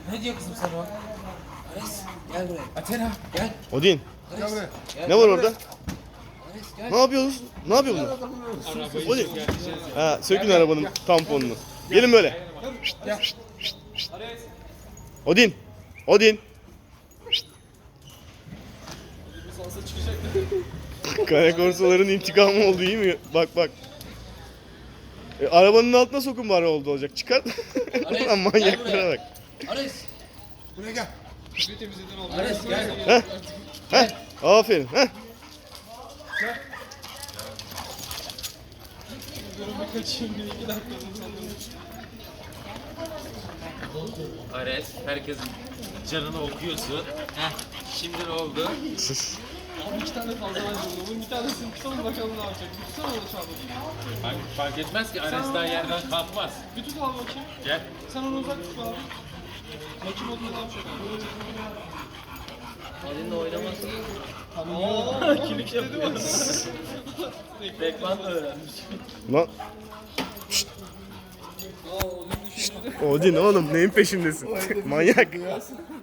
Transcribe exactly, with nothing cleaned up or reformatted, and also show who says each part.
Speaker 1: Ne diyor kızım sana o? Ares gel buraya. Athena gel.
Speaker 2: Odin.
Speaker 1: Ares, gel.
Speaker 2: Ne var orada?
Speaker 1: Ares gel.
Speaker 2: Ne yapıyorsunuz? Ne yapıyor bunlar? Odin. Ha, sökün arabanın tamponunu. Gelin böyle.
Speaker 1: Gel.
Speaker 2: Odin. Odin. Kara korsaların intikamı oldu, iyi mi? Bak bak. E, arabanın altına sokun bari oldu olacak. Çıkar.
Speaker 1: Ares,
Speaker 2: Lan manyaklara
Speaker 1: gel
Speaker 2: bak.
Speaker 1: Ares.
Speaker 3: Buraya gel.
Speaker 1: Ares gel.
Speaker 2: Heh. Heh. Aferin. Heh.
Speaker 1: Ares herkesin canını okuyorsun. Heh. Şimdi ne oldu?
Speaker 2: Sus.
Speaker 4: Abi iki tane fazla var bunun. Bir tanesini tutalım bakalım ne yapacak. Bir tutsana onu çabuk.
Speaker 1: Fark, fark etmez ki Ares daha yerden kalkmaz.
Speaker 4: Bir tut al bakayım.
Speaker 1: Gel.
Speaker 4: Sen onu uzak tut abi. Bakayım onu ne yapacak.
Speaker 1: Elinde oynamasın.
Speaker 4: Aaa kilik dedi mi?
Speaker 1: Bekman da öğrenmiş.
Speaker 2: Lan.
Speaker 4: Aa onu düşündü.
Speaker 2: Odin oğlum neyin peşindesin? Manyak.